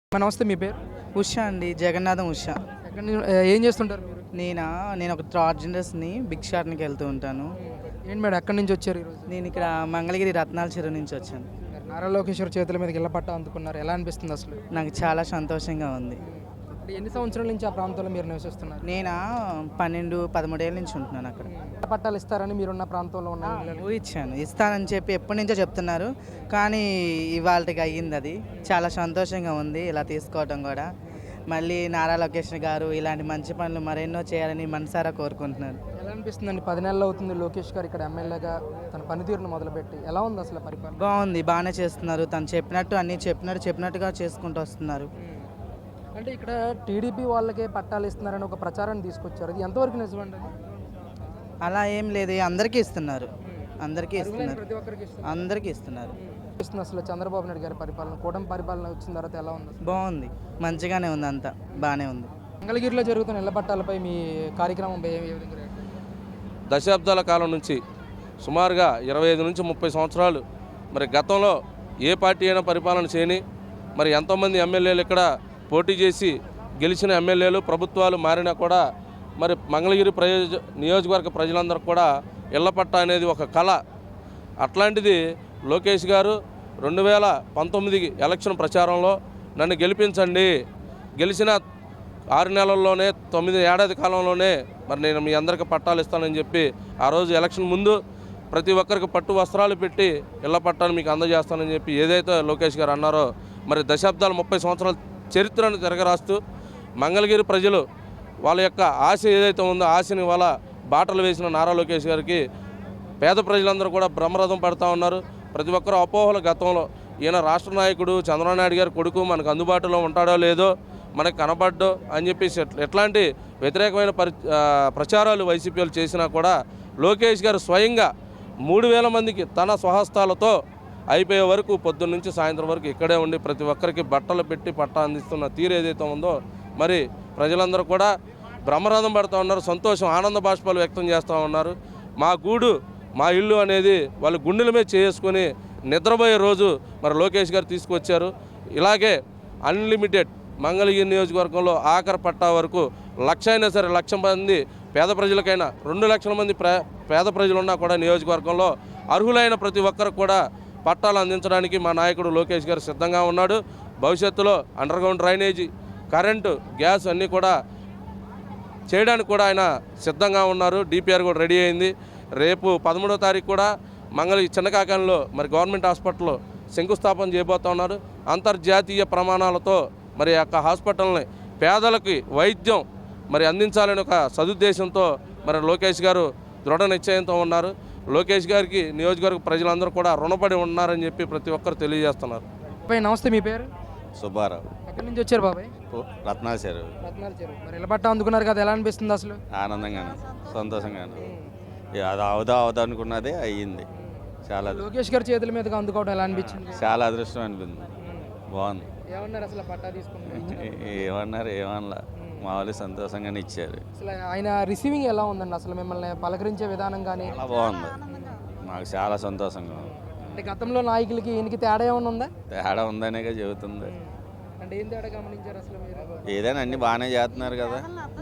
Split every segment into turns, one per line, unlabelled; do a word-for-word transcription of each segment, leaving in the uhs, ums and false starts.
నమస్తే మీ పేరు?
ఉషా అండి, జగన్నాథం ఉషా.
ఎక్కడి నుంచి ఏ- ఏం చేస్తుంటారు మీరు?
నేనా నేను ఒక ట్రాన్స్జెండర్స్ని బిగ్ షాట్నికి వెళ్తూ ఉంటాను.
ఏంటి మేడం ఎక్కడి నుంచి వచ్చారు ఈరోజు?
నేను ఇక్కడ మంగళగిరి రత్నాల చెరువు నుంచి వచ్చాను.
నారా లోకేశ్వర్ చేతుల మీదకి ఇళ్ళ పట్టా అందుకున్నారు, ఎలా అనిపిస్తుంది అసలు?
నాకు చాలా సంతోషంగా ఉంది.
అంటే ఎన్ని సంవత్సరాల నుంచి ఆ ప్రాంతంలో మీరు నివసిస్తున్నారు?
నేనా పన్నెండు పదమూడేళ్ళ నుంచి ఉంటున్నాను అక్కడ.
ఇళ్ళ పట్టాలు ఇస్తారని మీరున్న ప్రాంతంలో ఉన్న ఇళ్ళని?
ఊ ఇచ్చాను, ఇస్తానని చెప్పి ఎప్పటి నుంచో చెప్తున్నారు, కానీ ఇవాళకి అయ్యింది. అది చాలా సంతోషంగా ఉంది ఇలా తీసుకోవడం కూడా. మళ్ళీ నారా లోకేష్ గారు ఇలాంటి మంచి పనులు మరెన్నో చేయాలని మనసారా కోరుకుంటున్నాను.
ఎలా అనిపిస్తుందండి? పది నెలలు అవుతుంది లోకేష్ గారు ఇక్కడ ఎమ్మెల్యేగా తన పనితీరును మొదలుపెట్టి. ఎలా ఉంది అసలు పరిపాలన?
బాగుంది, బాగానే చేస్తున్నారు. తను చెప్పినట్టు అన్నీ చెప్పినట్టు చెప్పినట్టుగా చేసుకుంటూ వస్తున్నారు.
అంటే ఇక్కడ టీడీపీ వాళ్ళకే పట్టాలు ఇస్తున్నారని ఒక ప్రచారాన్ని తీసుకొచ్చారు, అది ఎంతవరకు నిజమండి? అది
అలా ఏం లేదు, అందరికీ ఇస్తున్నారు, అందరికీ ఇస్తున్నారు,
ప్రతి ఒక్కరికి ఇస్తున్నారు.
అందరికీ ఇస్తున్నారు.
ఇస్తుంది అసలు చంద్రబాబు నాయుడు గారి పరిపాలన, కూటమి పరిపాలన వచ్చిన తర్వాత ఎలా ఉంది అసలు?
బాగుంది, మంచిగానే ఉంది, అంతా బాగానే ఉంది.
మంగళగిరిలో జరుగుతున్న ఇళ్ల పట్టాలపై మీ కార్యక్రమం ఏ ఏ విధంగా రియాక్ట్?
దశాబ్దాల కాలం నుంచి సుమారుగా ఇరవై ఐదు నుంచి ముప్పై సంవత్సరాలు మరి గతంలో ఏ పార్టీ అయినా పరిపాలన చేయని మరి ఎంతోమంది ఎమ్మెల్యేలు ఇక్కడ పోటీ చేసి గెలిచిన ఎమ్మెల్యేలు ప్రభుత్వాలు మారినా కూడా మరి మంగళగిరి ప్రయోజ నియోజకవర్గ ప్రజలందరూ కూడా ఇళ్ల పట్టా అనేది ఒక కళ. అట్లాంటిది లోకేష్ గారు రెండు వేల పంతొమ్మిది ఎలక్షన్ ప్రచారంలో నన్ను గెలిపించండి, గెలిచిన ఆరు నెలల్లోనే తొమ్మిది ఏడాది కాలంలోనే మరి నేను మీ అందరికీ పట్టాలు ఇస్తానని చెప్పి ఆ రోజు ఎలక్షన్ ముందు ప్రతి ఒక్కరికి పట్టు వస్త్రాలు పెట్టి ఇళ్ల పట్టాలు మీకు అందజేస్తానని చెప్పి ఏదైతే లోకేష్ గారు అన్నారో మరి దశాబ్దాలు ముప్పై సంవత్సరాల చరిత్రను తిరగరాస్తూ మంగళగిరి ప్రజలు వాళ్ళ యొక్క ఆశ ఏదైతే ఉందో ఆశని వాళ్ళ బాటలు వేసిన నారా లోకేష్ గారికి పేద ప్రజలందరూ కూడా బ్రహ్మరథం పడుతూ ఉన్నారు. ప్రతి ఒక్కరు అపోహలు గతంలో ఈయన రాష్ట్ర నాయకుడు చంద్రబాబు నాయుడు గారి కొడుకు మనకు అందుబాటులో ఉంటాడో లేదో మనకు కనబడ్డో అని చెప్పేసి ఎట్లాంటి వ్యతిరేకమైన పరి ప్రచారాలు వైసీపీలు చేసినా కూడా లోకేష్ గారు స్వయంగా మూడు వేల మందికి తన స్వహస్తాలతో అయిపోయే వరకు పొద్దున్న నుంచి సాయంత్రం వరకు ఇక్కడే ఉండి ప్రతి ఒక్కరికి బట్టలు పెట్టి పట్టా అందిస్తున్న తీరు ఏదైతే ఉందో మరి ప్రజలందరూ కూడా బ్రహ్మరథం పడుతూ ఉన్నారు, సంతోషం ఆనంద బాష్పాలు వ్యక్తం చేస్తూ ఉన్నారు. మా గూడు మా ఇల్లు అనేది వాళ్ళు గుండెల మీద చేసుకొని నిద్రపోయే రోజు మరి లోకేష్ గారు తీసుకొచ్చారు. ఇలాగే అన్లిమిటెడ్ మంగళగిరి నియోజకవర్గంలో ఆఖరి పట్టా వరకు లక్ష అయినా సరే లక్ష మంది పేద ప్రజలకైనా రెండు లక్షల మంది ప్ర పేద ప్రజలున్నా కూడా నియోజకవర్గంలో అర్హులైన ప్రతి ఒక్కరికి కూడా పట్టాలు అందించడానికి మా నాయకుడు లోకేష్ గారు సిద్ధంగా ఉన్నాడు. భవిష్యత్తులో అండర్గ్రౌండ్ డ్రైనేజీ, కరెంటు, గ్యాస్ అన్నీ కూడా చేయడానికి కూడా ఆయన సిద్ధంగా ఉన్నారు. డిపిఆర్ కూడా రెడీ అయింది. రేపు పదమూడవ తారీఖు కూడా మంగళ చిన్నకాకంలో మరి గవర్నమెంట్ హాస్పిటల్లో శంకుస్థాపన చేయబోతా ఉన్నారు. అంతర్జాతీయ ప్రమాణాలతో మరి యొక్క హాస్పిటల్ని పేదలకి వైద్యం మరి అందించాలని ఒక సదుద్దేశంతో మరి లోకేష్ గారు దృఢ నిశ్చయంతో ఉన్నారు. లోకేష్ గారికి నియోజకవర్గ ప్రజలందరూ కూడా రుణపడి ఉన్నారని చెప్పి ప్రతి ఒక్కరు తెలియజేస్తున్నారు.
బాబాయ్ నమస్తే, మీ పేరు?
సుబ్బారావు.
ఎక్కడి నుంచి వచ్చారు బాబాయ్?
రత్నాల చెరువు.
రత్నాల చెరువు. మరి ఇళ్ళ పట్టా అందుకున్నారు కదా, ఎలా అనిపిస్తుంది అసలు?
ఆనందంగానే, సంతోషంగానే. ఇక అది అవుదా అవుదా అనుకున్నదే అయ్యింది. చాలా
లోకేష్ గారి చేతుల మీదగా అందుకోవడం ఎలా అనిపించింది?
చాలా అదృష్టం అనిపింది. బాగుంది.
ఏమన్నారు అసలు పట్టా తీసుకుంటే?
ఏమన్నారు ఏమన్నా మామూలు సంతోషంగానే ఇచ్చారు.
అసలు ఆయన రిసీవింగ్ ఎలా ఉందండి అసలు? మిమ్మల్ని పలకరించే విధానం కానీ
చాలా బాగుంది, మాకు చాలా సంతోషంగా ఉంది.
అంటే గతంలో నాయకులకి ఈయనకి తేడా ఏమైనా ఉందా?
తేడా ఉందనేగా చెబుతుంది.
అంటే ఏం తేడా గమనించారు అసలు మీరు?
ఏదైనా అన్ని బాగానే చేస్తున్నారు కదా.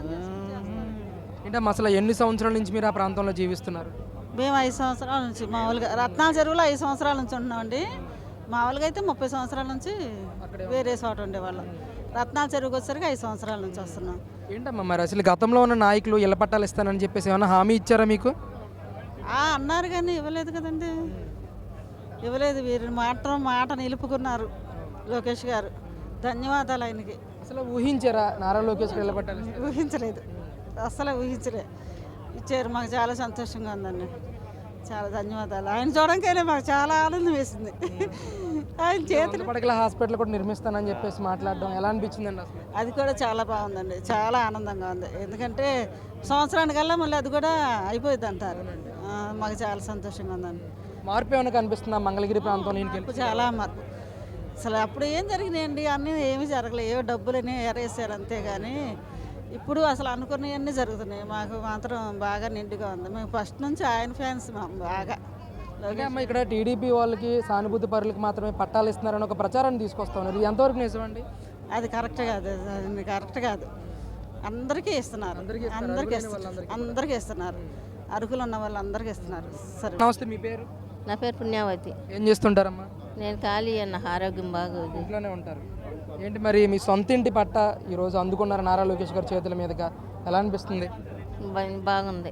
అంటే అసలు ఎన్ని సంవత్సరాల నుంచి మీరు ఆ ప్రాంతంలో జీవిస్తున్నారు?
మేము ఐదు సంవత్సరాల నుంచి మామూలుగా రత్నాల చెరువులో ఐదు సంవత్సరాల నుంచి ఉంటున్నామండి. మామూలుగా అయితే ముప్పై సంవత్సరాల నుంచి వేరే చోట ఉండేవాళ్ళం. రత్నాల చెరువుకి వచ్చేసరికి ఐదు సంవత్సరాల నుంచి వస్తున్నాం.
ఏంటమ్మా మరి అసలు గతంలో ఉన్న నాయకులు ఇళ్ళ పట్టాలు ఇస్తానని చెప్పేసి ఏమైనా హామీ ఇచ్చారా మీకు?
అన్నారు కానీ ఇవ్వలేదు కదండి, ఇవ్వలేదు. వీరు మాత్రం మాట నిలుపుకున్నారు లోకేష్ గారు. ధన్యవాదాలు ఆయనకి.
అసలు ఊహించారా నారా లోకేష్ ఇళ్ళ పట్టాలు?
ఊహించలేదు, అసలు ఊహించలే. ఇచ్చారు, మాకు చాలా సంతోషంగా ఉందండి. చాలా ధన్యవాదాలు. ఆయన చూడడానికైనా మాకు చాలా ఆనందం వేసింది. ఆయన చేతులు
పడకల హాస్పిటల్ కూడా నిర్మిస్తానని చెప్పేసి మాట్లాడడం ఎలా అనిపించిందండి అసలు?
అది కూడా చాలా బాగుందండి, చాలా ఆనందంగా ఉంది. ఎందుకంటే సంవత్సరానికల్లా మళ్ళీ అది కూడా అయిపోయింది అంటారు. మాకు చాలా సంతోషంగా ఉందండి.
మార్పు ఏమైనా కనిపిస్తుందా మంగళగిరి ప్రాంతంలో?
మార్పు, చాలా మార్పు. అసలు అప్పుడు ఏం జరిగినాయండి, అన్నీ ఏమీ జరగలేదు. ఏవో డబ్బులని ఎరేసారు అంతేగాని ఇప్పుడు అసలు అనుకున్నవన్నీ జరుగుతున్నాయి. మాకు మాత్రం బాగా నిండుగా ఉంది. మేము ఫస్ట్ నుంచి ఆయన ఫ్యాన్స్ బాగా.
అంటే అమ్మ ఇక్కడ టీడీపీ వాళ్ళకి సానుభూతి పరులకు మాత్రమే పట్టాలు ఇస్తున్నారని ఒక ప్రచారాన్ని తీసుకొస్తా ఉన్నారు, ఇది ఎంతవరకు నిజమండి?
అది కరెక్ట్ కాదు, అది కరెక్ట్ కాదు. అందరికీ ఇస్తున్నారు,
అందరికీ ఇస్తున్నారు,
అందరికీ
అర్హులైన
ఇస్తున్నారు,
వాళ్ళందరికీ
అందరికీ ఇస్తున్నారు. అర్హులు ఉన్న వాళ్ళందరికీ ఇస్తున్నారు. సరే,
నమస్తే, మీ పేరు?
నా పేరు పుణ్యావతి.
ఏం చేస్తుంటారమ్మా?
నేను ఖాళీ అన్న, ఆరోగ్యం బాగోదు.
ఇంట్లోనే ఉంటారు. ఏంటి మరి మీ సొంత ఇంటి పట్ట ఈరోజు అందుకున్నారు నారా లోకేష్ గారి చేతుల మీదుగా, ఎలా అనిపిస్తుంది?
బా- బాగుంది.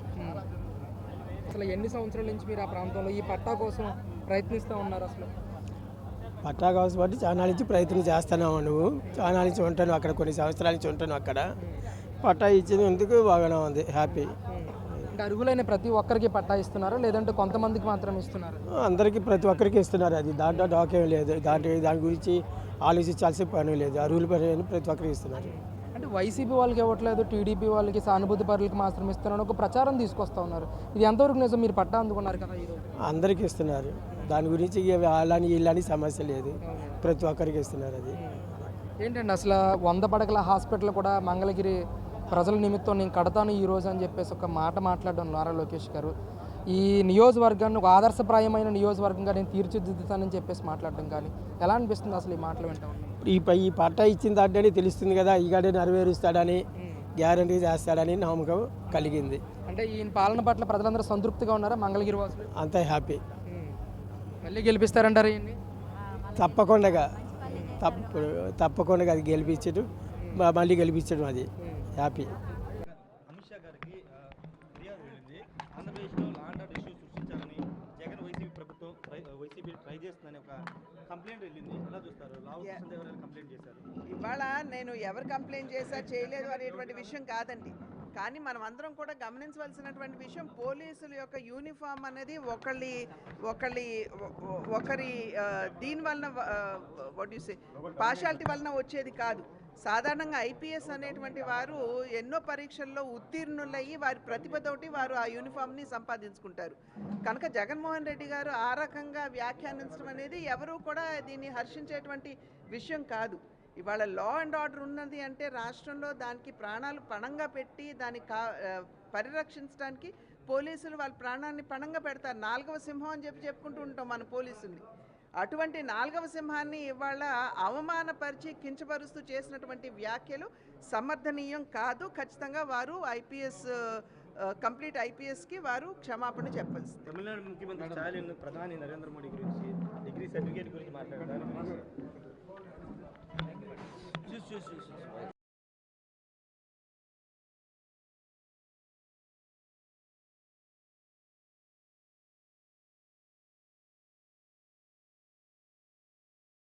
అసలు ఎన్ని సంవత్సరాల నుంచి మీరు ఆ ప్రాంతంలో ఈ పట్టా కోసం ప్రయత్నిస్తూ ఉన్నారు? అసలు
పట్టా కావచ్చు బట్టి చాలా నుంచి ప్రయత్నం చేస్తున్నావు. నువ్వు చాలా నుంచి ఉంటాను అక్కడ, కొన్ని సంవత్సరాల నుంచి ఉంటాను అక్కడ. పట్టా ఇచ్చినందుకు బాగానే ఉంది, హ్యాపీ.
అంటే అర్హులైన ప్రతి ఒక్కరికి పట్టా ఇస్తున్నారు, లేదంటే కొంతమందికి మాత్రం ఇస్తున్నారు?
అందరికీ ప్రతి ఒక్కరికి ఇస్తున్నారు. అది దాంట్లో డాకేం లేదు, దాంట్లో దాని గురించి ఆలోచించాల్సిన పని లేదు. అర్హుల పని ప్రతి ఒక్కరికి ఇస్తున్నారు.
అంటే వైసీపీ వాళ్ళకి ఇవ్వట్లేదు, టీడీపీ వాళ్ళకి, సానుభూతి పరులకి మాత్రం ఇస్తున్నారు ఒక ప్రచారం తీసుకొస్తా ఉన్నారు. ఇది ఎంతవరకు నిజం? మీరు పట్టా అందుకున్నారు కదా ఈరోజు.
అందరికీ ఇస్తున్నారు. దాని గురించి ఇక వాళ్ళని వీళ్ళని సమస్య లేదు, ప్రతి ఒక్కరికి ఇస్తున్నారు. అది
ఏంటండి అసలు వంద పడకల హాస్పిటల్ కూడా మంగళగిరి ప్రజల నిమిత్తం నేను కడతాను ఈ రోజు అని చెప్పేసి ఒక మాట మాట్లాడడం నారా లోకేష్ గారు. ఈ నియోజకవర్గాన్ని ఒక ఆదర్శప్రాయమైన నియోజకవర్గంగా నేను తీర్చిదిద్దుతానని చెప్పేసి మాట్లాడడం కానీ ఎలా అనిపిస్తుంది అసలు ఈ మాటలు వింటా ఉన్నాం?
ఈ పై ఈ పట్టా ఇచ్చిన దాంట్లోనే తెలుస్తుంది కదా, ఈ గడే నెరవేరుస్తాడని, గ్యారంటీ చేస్తాడని నమ్మకం కలిగింది.
అంటే ఈయన పాలన పట్ల ప్రజలందరూ సంతృప్తిగా ఉన్నారా మంగళగిరి వాసులు?
అంతా హ్యాపీ.
మళ్ళీ గెలిపిస్తారంటారు ఈయన్ని?
తప్పకుండా తప్పు తప్పకుండా అది గెలిపించడం, మ- మళ్ళీ గెలిపించడం, అది హ్యాపీ.
అమిత్ షా గారికి ఆ, ఫిర్యాదు వెళ్ళింది. ఆంధ్రప్రదేశ్లో లా అండ్ ఆర్డర్ ఇష్యూ సృష్టించాలని జగన్ వైసీపీ ప్రభుత్వం ట్రై వైసీపీ ట్రై చేస్తుందని ఒక కంప్లైంట్ వెళ్ళింది. ఎలా చూస్తారు? లావు కృష్ణదేవ్ గారు కంప్లైంట్ చేశారు.
ఇవాళ నేను ఎవరు కంప్లైంట్ చేశా చేయలేదు అనేటువంటి విషయం కాదండి. కానీ మనం అందరం కూడా గమనించవలసినటువంటి విషయం, పోలీసుల యొక్క యూనిఫామ్ అనేది ఒకళ్ళి ఒకళ్ళి ఒ- ఒకరి ఆ, దీని వలన వాట్ యు సే పార్షాలిటీ వలన వచ్చేది కాదు. సాధారణంగా ఐపీఎస్ అనేటువంటి వారు ఎన్నో పరీక్షల్లో ఉత్తీర్ణులయ్యి వారి ప్రతిభతోటి వారు ఆ యూనిఫామ్ని సంపాదించుకుంటారు. కనుక జగన్మోహన్ రెడ్డి గారు ఆ రకంగా వ్యాఖ్యానించడం అనేది ఎవరూ కూడా దీన్ని హర్షించేటువంటి విషయం కాదు. ఇవాళ లా అండ్ ఆర్డర్ ఉన్నది అంటే రాష్ట్రంలో దానికి ప్రాణాలు పణంగా పెట్టి దాన్ని కా ఆ, పరిరక్షించడానికి పోలీసులు వాళ్ళ ప్రాణాన్ని పణంగా పెడతారు. నాలుగవ సింహం అని చెప్పి చెప్పుకుంటూ ఉంటాం మన పోలీసుల్ని. అటువంటి నాలుగవ సింహాన్ని ఇవాళ అవమానపరిచి కించపరుస్తూ చేసినటువంటి వ్యాఖ్యలు సమర్థనీయం కాదు. ఖచ్చితంగా వారు ఐపీఎస్ కంప్లీట్ ఐపీఎస్కి వారు క్షమాపణ చెప్పాల్సింది.
తమిళనాడు ముఖ్యమంత్రి స్టాలిన్ ప్రధాని నరేంద్ర మోడీ గురించి డిగ్రీ సర్టిఫికేట్ గురించి మాట్లాడారు.